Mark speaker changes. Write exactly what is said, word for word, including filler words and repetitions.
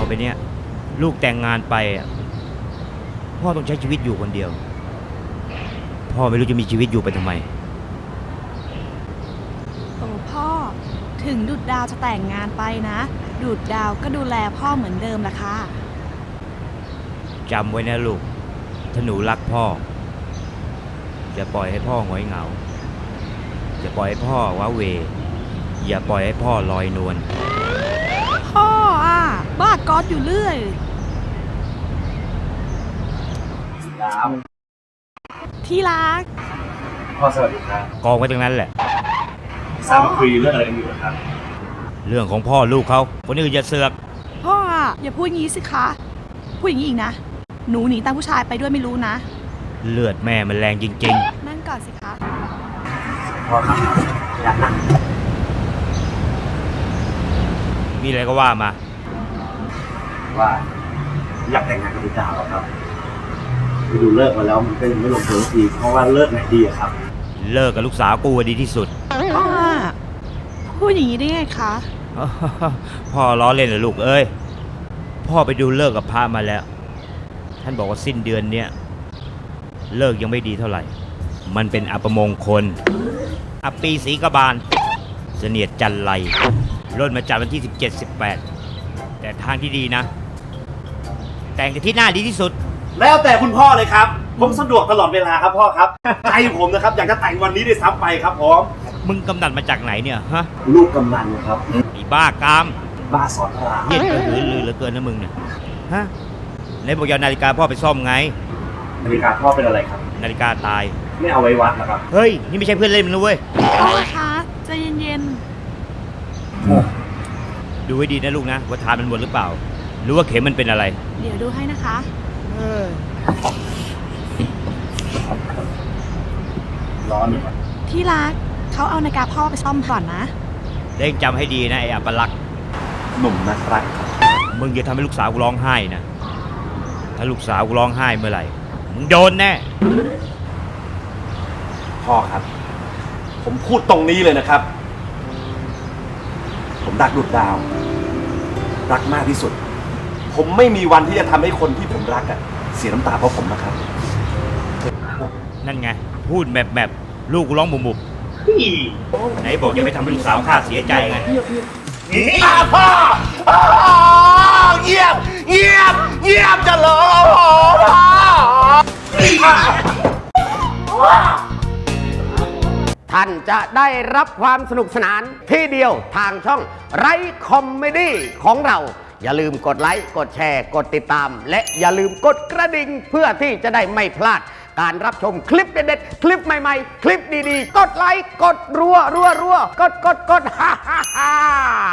Speaker 1: ไปเนี้ยลูกแต่งงานไปพ่อต้องใช้ชีวิตอยู่คนเดียวพ่อไม่รู้จะมีชีวิตอยู่ไปทำไม
Speaker 2: โอ้พ่อถึงดุดดาวจะแต่งงานไปนะดุดดาวก็ดูแลพ่อเหมือนเดิมล่ะค่ะ
Speaker 1: จำไว้นะลูกถ้าหนูรักพ่ออย่าปล่อยให้พ่อหงอยเหงาอย่าปล่อยให้พ่อว้าเหวอย่าปล่อยให้พ่อลอยนวล
Speaker 2: พ่ออ่ะบ้าก๊อดอยู่เรื่อย
Speaker 3: ครับ
Speaker 2: ที่รัก
Speaker 3: พ่อสวัสดีครับ
Speaker 1: กองไว้ตรงนั้นแหละ
Speaker 3: ทราบว่าคุยเรื่องอะไรกันอยู่ครับ
Speaker 1: เรื่องของพ่อลูกเขาคนอื่นอย่าเสือก
Speaker 2: พ่ออ่ะอย่าพูดงี้สิคะพูดอย่างนี้อีกนะหนูหนีตามผู้ชายไปด้วยไม่รู้นะ
Speaker 1: เลือดแม่มันแรงจริง
Speaker 2: ๆนั่งก่อนสิคะ
Speaker 3: พ่อครับอยากนั่ง
Speaker 1: มีอะไรก็ว่ามา
Speaker 3: ว่าอยากแต่งงานกับพี่ดาวครับไปดูเลิกมาแล้วมันก็ยังไม่ลงตัวทีเพราะว่าเลิกไหนดีครับ
Speaker 1: เลิกกับลูกสาวกูดีที่สุด
Speaker 2: พ่อพูดอย่างนี้ได้ไงคะ
Speaker 1: พ่อล้อเล่นเหรอลูกเอ้ยพ่อไปดูเลิกกับพระมาแล้วท่านบอกว่าสิ้นเดือนเนี้ยเลิกยังไม่ดีเท่าไหร่มันเป็นอัปมงคลอัปปีศรีกบาลเสนียดจันไรร่นมาจากวันที่สิบเจ็ด สิบแปดแต่ทางที่ดีนะแต่งที่หน้าดีที่สุด
Speaker 3: แล้วแต่คุณพ่อเลยครับผมสะดวกตลอดเวลาครับพ่อครับใจผมนะครับอยากจะแต่งวันนี้ได้ซ้ำไปครับผม
Speaker 1: มึงกำนันมาจากไหนเนี่ยฮะ
Speaker 3: ลูกกำนันครับ
Speaker 1: ไอ้บ้ากาม
Speaker 3: บ้าสอนราม
Speaker 1: เย็นกระหือรือเหลือเกินนะมึงเนี่ยฮะในบอกยานาฬิกาพ่อไปซ่อมไง
Speaker 3: นาฬิกาพ่อเป็นอะไรครับ
Speaker 1: นาฬิกาตาย
Speaker 3: ไม่เอาไว้วัดนะครับ
Speaker 1: เฮ้ยนี่ไม่ใช่เพื่อนเล่นมึงนะเว้ย
Speaker 2: พ่อคะใจเย็น
Speaker 1: ๆดูให้ดีนะลูกนะว่าทานมันหมดหรือเปล่าหรือว่าเข็มมันเป็นอะไร
Speaker 2: เดี๋ยวดูให้นะคะ
Speaker 3: ร้อนอยู่
Speaker 2: ที่รักเขาเอานาฬิกาพ่อไปซ่อมก่อนนะ
Speaker 1: เล่งจำให้ดีนะไอ้อัปลักษณ์
Speaker 3: หนุ่มนักรัก
Speaker 1: มึงอย่าทำให้ลูกสาวกูร้องไห้นะถ้าลูกสาวกูร้องไห้เมื่อไหร่มึงโดนแน่
Speaker 3: พ่อครับผมพูดตรงนี้เลยนะครับผมรักดุจดาวรักมากที่สุดผมไม่มีวันที่จะทำให้คนที่ผมรักอะเสียน้ำตาเพราะผมนะครับ
Speaker 1: นั่นไงพูดแบบแบบลูกกูร้องบุบบุบไหนบอกอย่าไปทำให้ลูกสาวข้าเสียใจไง
Speaker 3: พ่อเงียบเงียบเงียบจะรอ
Speaker 4: พ่อท่านจะได้รับความสนุกสนานที่เดียวทางช่องไรคอมเมดี้ของเราอย่าลืมกดไลค์กดแชร์กดติดตามและอย่าลืมกดกระดิ่งเพื่อที่จะได้ไม่พลาดการรับชมคลิปเด็ดๆคลิปใหม่ๆคลิปดีๆกดไลค์กดรัวรัวรัวกดกดกดฮ่าฮ่าฮ่า